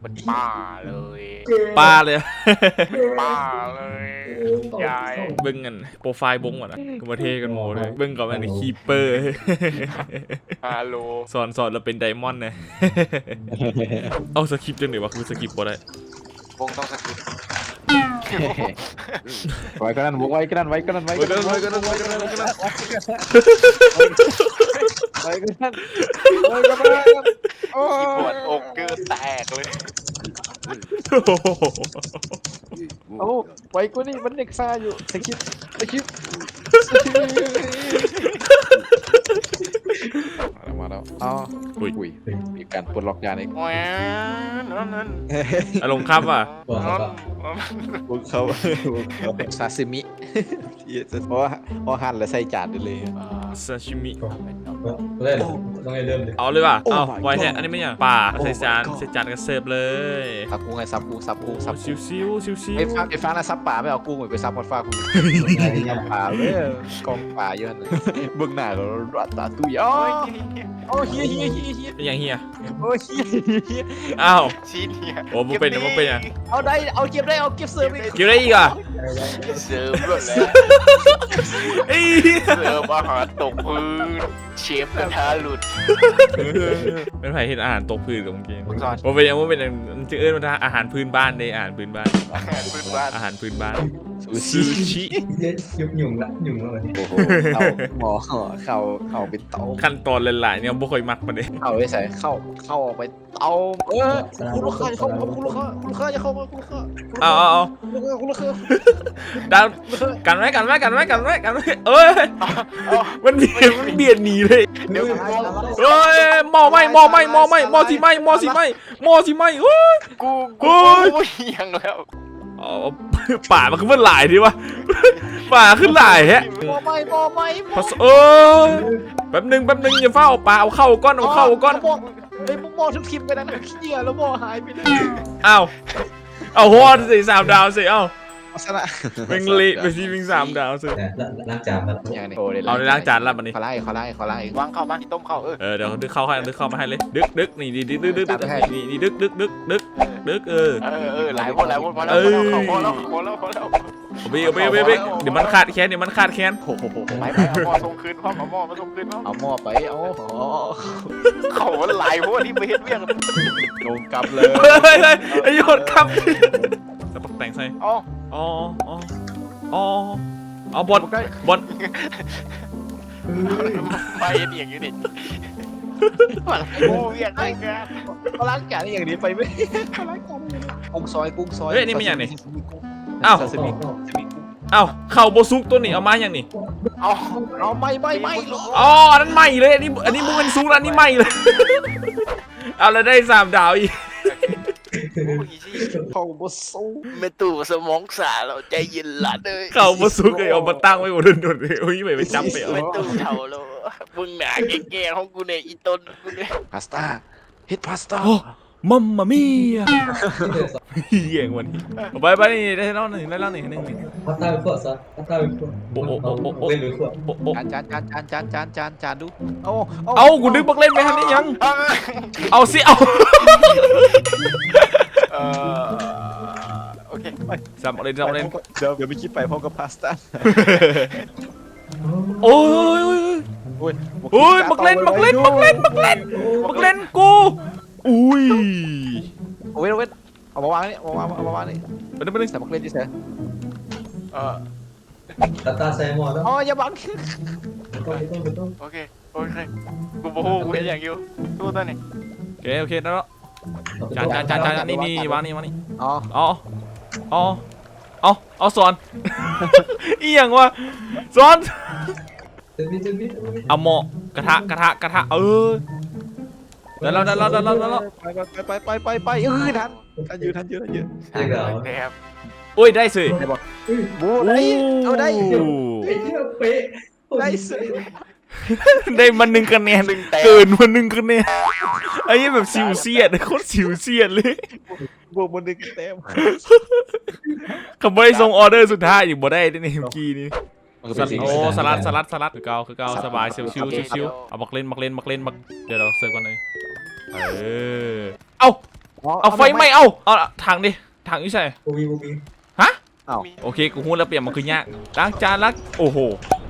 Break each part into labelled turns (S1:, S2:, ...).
S1: เป็นป้าเลย
S2: ป้าเลย
S1: ป้าเลยยาย
S2: เบิ้งกันโปรไฟล์บงก่อนนะก็มาเทกันโมเลยเบิ้งก่อนอันนี้คีเปอร์
S1: ฮัลโหล
S2: สอนเราเป็นไดมอนด์นะเอาสคริปต์จังเดี๋ยววะคือสคริปต์บ่ได้
S1: วงต้องสกิป
S3: ไว้ก็นั่นไว้ก็นั่นไว้ก็นั่นไว้ก็นั่นไว้ก็นั่นไว้ก็นั่นไว้ก็นั่นไว้ก็นั่นไว้ก็นั่นโอ้
S1: ปวดอกเกินแตกเลย
S3: โอ้ไว้ก็นี่มันเด็กซ่าอยู่สกิปมาแล้วอ๋ออุ้ยมีการปลดล็อกยาเอง
S1: แหวนนั่น
S2: อารมณ์ครับอ่ะ
S3: พวกเขาซาซิมิเพราะว่าหั่นแล้วใส่จานได้เลย
S2: ซาชิมิ
S4: เล่นต้องให้เริ่มเลย
S2: เอาเลยว่ะ
S3: โอ้
S2: เอา
S3: my
S2: ไว้แท้
S3: god
S2: อันนี้ไม่อย่างป่า
S3: Oh my
S2: ใส่จาน
S3: god
S2: ใส่จานกันเสิร์ฟเลย
S3: ซับกุ้งไงซับกุ้งซับกุ้งซับ
S2: ซิ
S3: กุ้
S2: ว
S3: ง
S2: ซิวซิวซิว
S3: ไอ้ฟ้านะซับป่าไม่เอากุ้งไปซับพอดฟ้ากุ้งยำป่าเลยกองป่าเยอะเลยเบื้องหน้าเรารัตตาตุยโอ้เฮีย
S2: เป็นอย่างเฮีย
S3: โอ้เฮีย
S2: อ้าว
S1: ชิ้นเนี่ย
S2: โอ้มันเป็นมันเป็นอ่ะ
S3: เอาได้เอาเก็บได้เอาเก็บเสิร์ฟอีก
S2: เกี่ยวได้อีกอ่ะ
S1: เสิร์ฟหมดแล้ว
S2: เอ้ย
S1: เสิร์ฟอาหารตกพื้นเชฟกระทะหลุด
S2: เป็นไผ่เห็นอาหารตกพื้นกับเมื่อกี้
S1: มึงสอน
S2: ว่าเป็นยังว่าเป็นยังจะเอิ้นว่าอาหารพื้นบ้านเลยอาหารพื้นบ้าน
S1: อาหารพื้นบ้าน
S2: อาหารพื้นบ้าน
S3: ซู
S2: ซู
S3: ชิ
S2: ชิ
S4: ยุ่งละยุ่งแล้ว
S3: โอ้โหหมอเข้าเป็นเตา
S2: ขั้นตอนหลายๆเนี่ยบ่ค่อยมักมาเด้
S3: เข้าไปใส่เข้าออกไปเตาคุณลูกค้าเข้ามาคุณลูกค้าจะเข้ามาคุณลูกค้า
S2: เอา
S3: คุณลูกค้า
S2: ดาวกันไว้เอ้ยมันเบียดหนีเลย
S1: เดี๋ยว
S2: เอ้ยหม้อสิไหมเฮ้ย
S1: กูยังแล้ว
S2: อ๋อป่ามันขึ้นมาหลายดิวะป่าขึ้นหลายฮะ
S3: หมอไม่
S2: พอแป๊บนึงอย่าเฝ้าป่าเอาเข้าก้อน
S3: ไอ้หมอทุกทีมไปนั่นเหี้ยแล้วหมอหายไปเลย
S2: อ้าวเอาฮอดสิ3 ดาวสิเอ้า
S3: สนะ
S2: เป็นเละไปสิเป็น3 ดาวสิ
S4: ล้างจานแล้ว
S3: อย่างนี้
S2: เอาในล้างจานละบัดนี้
S3: เขาไล่
S1: วางเข้ามาที่ต้มเข้า
S2: เดี๋ยวดึกเข้ามาให้เลยดึกนี่นี่ดึกนี่ดึก
S1: หลายคนพอแล้วพอแล้ว
S2: เอาไปเดี๋ยวมันขาดแค้นโอ้โห
S1: ไปเอาหม้อส่งคืนพ่อเอาหม้อมาส่งคืนพ่อ
S3: เอาหม้อไปเอา
S1: เขาหลายพวกที่ไปเฮ็ดเวียง
S3: โดนกลับเลย
S2: เฮ้ยไอ้ยศครับสปักแต่งใส่
S1: อ๋อ
S2: เอาบอล
S1: ไปอย่างนี้ดิกูเวียงไอ้แก
S3: เขาล้างจานอย่างนี้ไปไหมกุ้งซอย
S2: เฮ้ยนี่มันอย่างนี้อ้าว
S3: ซาซิมิ
S2: เอ้าเข่าโบซุกตัวนี้เอามาอย่างนี้
S3: เอาไม่
S2: อ๋ออันนั้นใหม่เลยอันนี้มึงเป็นซุกอันนี้ใหม่เลยเอาแล้วได้3 ดาวอีก
S3: เขาบอสู้
S1: ไม่ตู่สมองสาเราใจเย็นละเลย
S2: เข่าโบซุกเลยเอามาตั้งไว้บนโดนเลยโอ้ยไปจับไปเอา
S1: ไม่ตู่เท่าเรามึงหนาแก่ๆของกูเนี่ยอีต้นกูเนี่ย
S3: พาสต้าเฮ็ดพาสต้า
S2: โอ้มัมมามี่เหี้ยงวันนี้ไปนี่ได้เล่าหนึ่งนึง
S4: พัตตาเป็นขวดซะพัตตาเป็นขวดเล่นเป็นขวด
S3: จานดู
S2: เอากูนึกบักเล่นไปทันนี้ยังเอาสิเอา
S1: โอเค
S2: สามเล่น
S3: เดี๋ยวไปคิดไปพร้อมกับพาสต้า
S2: โอ้ยบักเล่นกูอุ้ย
S3: เว้นเอามาวางนี่ไปใส่บักเล่นดิเซ่
S4: พัตตาใส่หม้อแล้ว
S3: อ๋ออย่าบัง
S4: ต้อง
S1: โอเคกูโมโหกูเห็นอย่างอยู่ตู้ตัวนี้
S2: โอเคแล้วจานนี่วางนี่
S3: อ๋อ
S2: เอาสอนอีหยังวะสอน เอาหม้อกระทะแล้ว
S3: ไปทันยืน
S4: เด็กเหรอ
S1: นะครับ
S2: โอ้ยได้สิ
S3: บูได้เอาได้
S4: ไอ้เหี้ยเป๊ะ
S3: ได้สิ
S2: ได้มา1 คะแนนเกินมา1 คะแนนไอ้แบบสิวเสียดโคตรสิวเสียดเลย
S3: บวกมัน1 เต็ม
S2: คำว่าส่งออเดอร์สุดท้ายอยู่บ่ได้ในเมื่อกี้นี้สลัดคือเก่าสบายชิวเอามักเล่นเดี๋ยวเราเสิร์ฟกันเลยเอาเอาไฟไหม้เอาถังดิถังอยู่ใส่
S4: บูบีบูบี
S2: โอเคกูฮู้แล้วเปลี่ยนมันคือยากล้างจานล้างโอ้โห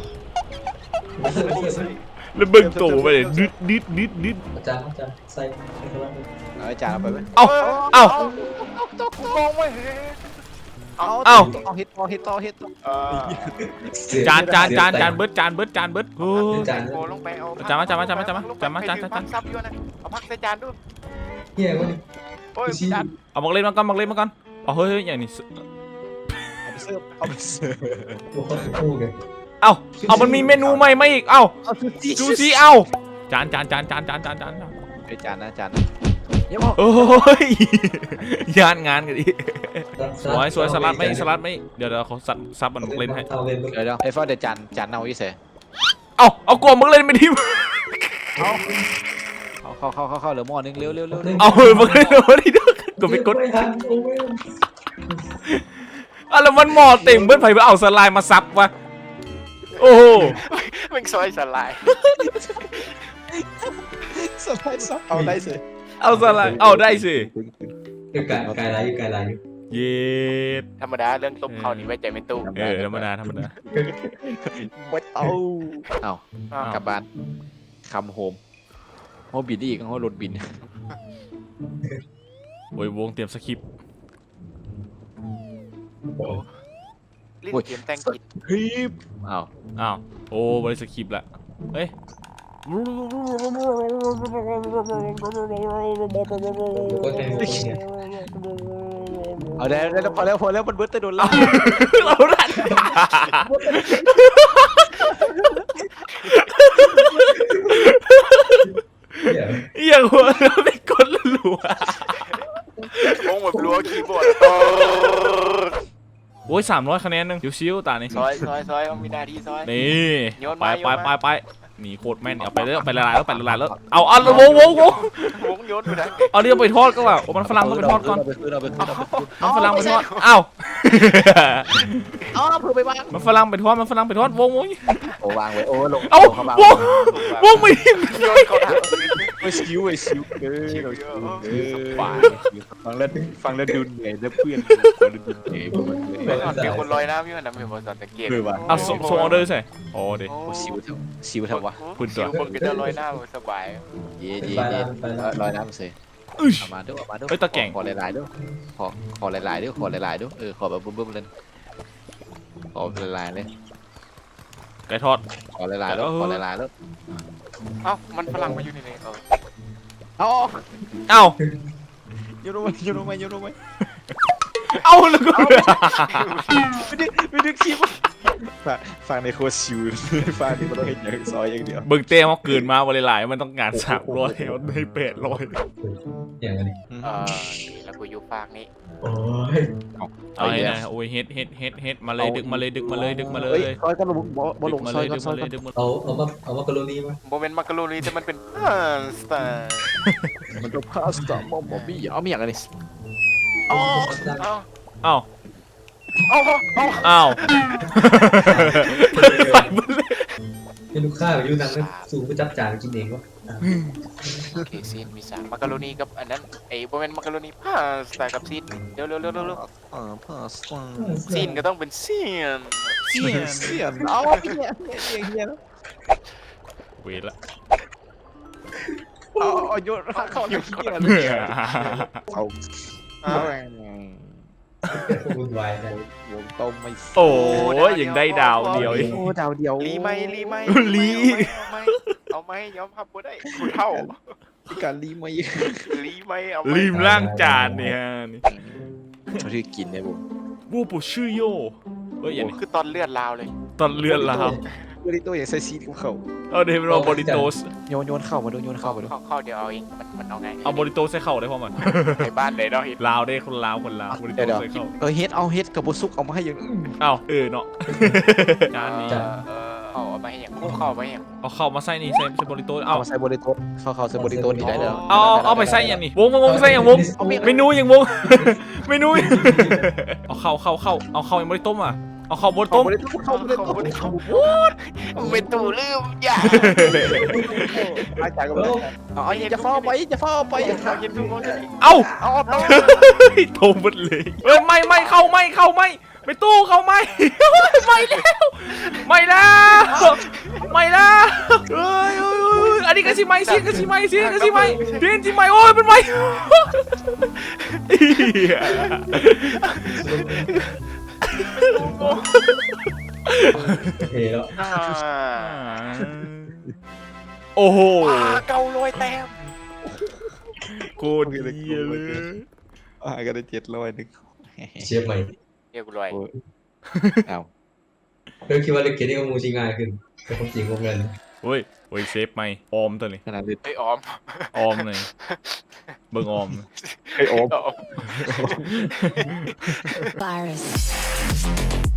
S2: แล้วเบิ่งโตไปเลยดึด
S4: อาจารย์ใส่ให้เขาบ้าง
S3: เอาจานเอาไปไหม
S2: เอา
S1: มองไม่เห็น
S3: เอาเฮ็ดต่อเฮ็ดต่อ
S2: จานเบิดจานเบิดโอ้
S4: จาน
S1: โลงไปเอา
S2: จานมา
S1: พักซับอยู่นะเอาพักใส่จานดู
S4: เฮียวันนี้
S1: โอ้ยจาน
S2: เอามาเล่นมาก่อนเอาเฮ้ยอย่างนี้
S3: เอาไปเสิร์ฟ
S4: โอ้โหคู่กัน
S2: เอามันมีเมนูใหม่มาอีกเอาซูชิเอาจาน
S3: ไอ้จานนะจานเดี๋ยว
S2: โอ้ยยานงานกันดิสวยสลัดไหมเดี๋ยวเขาซับมันเล่นให้
S4: เอาเล่น
S3: เดี๋ยวไอ้ฟ้าเดี๋ยวจานเอาอีเส
S2: เอากลัวมึงเล่นไม่ทีม
S3: เข้าเหลือหม้อนึงเร็ว
S2: เอามึงเล่นไม่ทีด้วยกูไปกด
S4: ไม่ทันโอ้ย
S2: แล้วมันหม้อเต็มเบิ้ลไผ่ไปเอาสไลด์มาซับวะโอ้โห
S1: แม่งซอยสลาย
S3: สบายซับเอาได้สิ
S2: เอาสไลด์เอาได้สิ
S4: อยู่ไกลไรอยู่ไกลไรอยู่
S2: เย็ด
S1: ธรรมดาเรื่องต้มข้าวนี่ไว้ใจไม่ตู้
S2: ธรรมดา
S3: ไม่เอากลับบ้านคำโฮมโฮบินอีกโฮรถบิน
S2: โอ้ยวงเตรียมสคริปต์
S1: ลิ้นเตรียมแตงกิน
S3: เฮ้ยอ้าว
S2: โอ้บริสคริปต์ละเฮ้ย
S4: ก็ในมือเนี่ย
S3: เอาได้พอแล้วมันเบิร์ตโดนแล้ว
S2: เราดัน อย่างหัวเราไปกดรัว
S1: มองแบบรัวคีย์บอร์ด
S2: โอ้ย300คะแนนนึงชิวๆตานี่
S1: ซอยต้องมีหน้าที่ซอย
S2: นี่ไปหนีโคตรแม่นเอาไปเลยไปละลายแล้วเอาวง
S1: วงโยนไปไหน
S2: เอาเรื่องไปทอดก็ว่าโอ้มันฝรั่งต้องไปทอดก่อน
S3: เอาไปคืน
S2: มันฝรั่งไปทอดเอ้า
S3: เผื่อไปวาง
S2: มันฝรั่งไปทอดวง
S3: โอ้วางไว้โอ้ลง
S2: เอ้าวงไม่
S1: โยนเขาถาม
S3: ไอ้ชิวฟังแล้วดูเหนื่อยแล้วเพื่อนดูเหนื่อย
S1: มีคนลอยน้ำอยู่นะมีคนสังเกต
S2: เอาส่งออเดอร์ใส่โอ้เด็
S3: ชิวทำวะ
S1: คุณคนก็จะลอยน้ำสบาย
S3: เย่ลอยน้ำเสยมาด้วยขอหลายๆด้วยขอหลายๆด้วยขอแบบบึ้มๆเลยขอหลายๆเลย
S2: ไก่ทอด
S3: ขอหลายๆแล้ว
S1: เอ้ามันฝรั่งมาอยู่ในนี้
S3: เอา
S2: เอ้า
S3: โยนลงไหม
S2: เอาแล้วก็
S3: ไม่ดึกชิวฟังในโคชิวฟังที่มันต้องเห็นอย่างซอยอย่างเดียว
S2: เบิ่งเต้เขาเกินมาวันหลายมันต้องงาน300มันให้800
S4: อย่างนี้
S1: แล้วกูอยู่ฝากนี้
S4: โอ้ย
S2: เอาไงนะโอ้ยเฮ็ดมาเลยดึกมาเลย
S3: ซอยก็ลงบ่ลงซอยก็ซอย
S2: ดึกมา
S4: เอามากรณีมา
S1: โมเมนต์มักกะโรนีแต่มันเป็นสไตล์
S3: มันจะพาสต้ามอมบี้เอามีอย่างไร
S1: เอ้า
S2: อ้าว
S1: เอ้า
S2: อ้าว
S4: ให้ลูกค้าอยู่นั่งสูงไปจับจานกินเองวะ
S1: โอเคซีนมี3มักกะโรนีกับอันนั้นไอ้โมเมนต์มักกะโรนีพาสต้ากับซีนเร็ว
S3: พาสต้า
S1: ซีนก็ต้องเป็นซีน
S3: เสียนเอาเฮีย
S2: เวรละ
S3: เอาโยนเข้าเฮียเอา
S4: วุ่นวายนะ
S3: วงต้มไม่
S2: โอ้ยยังได้ดาวเดียวอีก
S3: โอ้ดาวเดียว
S1: ลีไหม เอาไหมยอมพับบ่ได้กูเท่า
S3: การลีไม่
S1: ลีไหมเอา
S2: ริมล่างจานเนี่ยนี่
S3: เขาที่กินเนี่ยผม
S2: บูปูชื่อโยเอ้ยอย่างนี้
S1: คือตอนเลือดลาวเลย
S2: ตอนเลือนลาว
S3: บริโตอย่างใส่ซีดกับเขา
S2: เอาเดี๋ยวเราบริโตส
S3: โยนเข้ามาดูโยนเข้ามาดู
S1: เข้าเดี๋ยวเอาเองมันเอาไง
S2: เอาบริโตสใส่เข่าได้พอมัน
S1: ในบ้านไหนเนาะ
S2: ลาวได้คนลาวบริโตสใส่เข่า
S3: เฮ็ดเอาเฮ็ดกับบุซุกเอามาให้ยัง
S2: เอ้าเนาะจานนี้
S1: เอามาให้อย่างคู่เข้ามาให้อย่าง
S2: เอาเข้ามาใส่นี่ใส่บริโตส
S3: เอา
S2: เอา
S3: มาใส่บริโตเข้าใส่บริโตนี่ได้แล้ว
S2: เอาไปใส่อย่างนี้วงใส่อย่างวงเมนูอย่างวงเมนูเอาเข้าเอาเข้ายังบริโตมอ่ะเอาข้าวบดต้ม
S1: เขาเป็นตู่ลืมอย่า
S5: อาจารย์ก็ไม่
S3: เอาจะฟ้าไปจะฟ้าไป
S1: เอาเย็นทุกคน
S2: เอ้า
S1: เอาต้ม
S2: โทมหมดเลยเฮ้ยไม่เข้าไปตู้เข้าไม่ไม่แล้วเฮ้ยอันนี้ก็สิไม่เดินสิไม่โอ้ยมันไม่
S4: เฮ้แล้ว
S2: โอ้โห
S1: เกาลอยแต้ม
S2: โคตรเยี่ยเลย
S3: ก็ได้700นึง
S4: เชฟใหม่
S1: เดี๋ยวกูลอย
S3: เอา
S4: เรื่องคิดว่าเล่นเกมนี้ก็มูชิง่ายขึ้นแต่ความจริงก็เงิน
S2: เฮ้ยเซฟไม่ออมตัวนี้
S3: ขนาดนี้
S1: ไอ้ออม
S2: ออมเลยเบิ่งออม
S5: ไอโอ๊บ
S1: ออม
S6: Virus.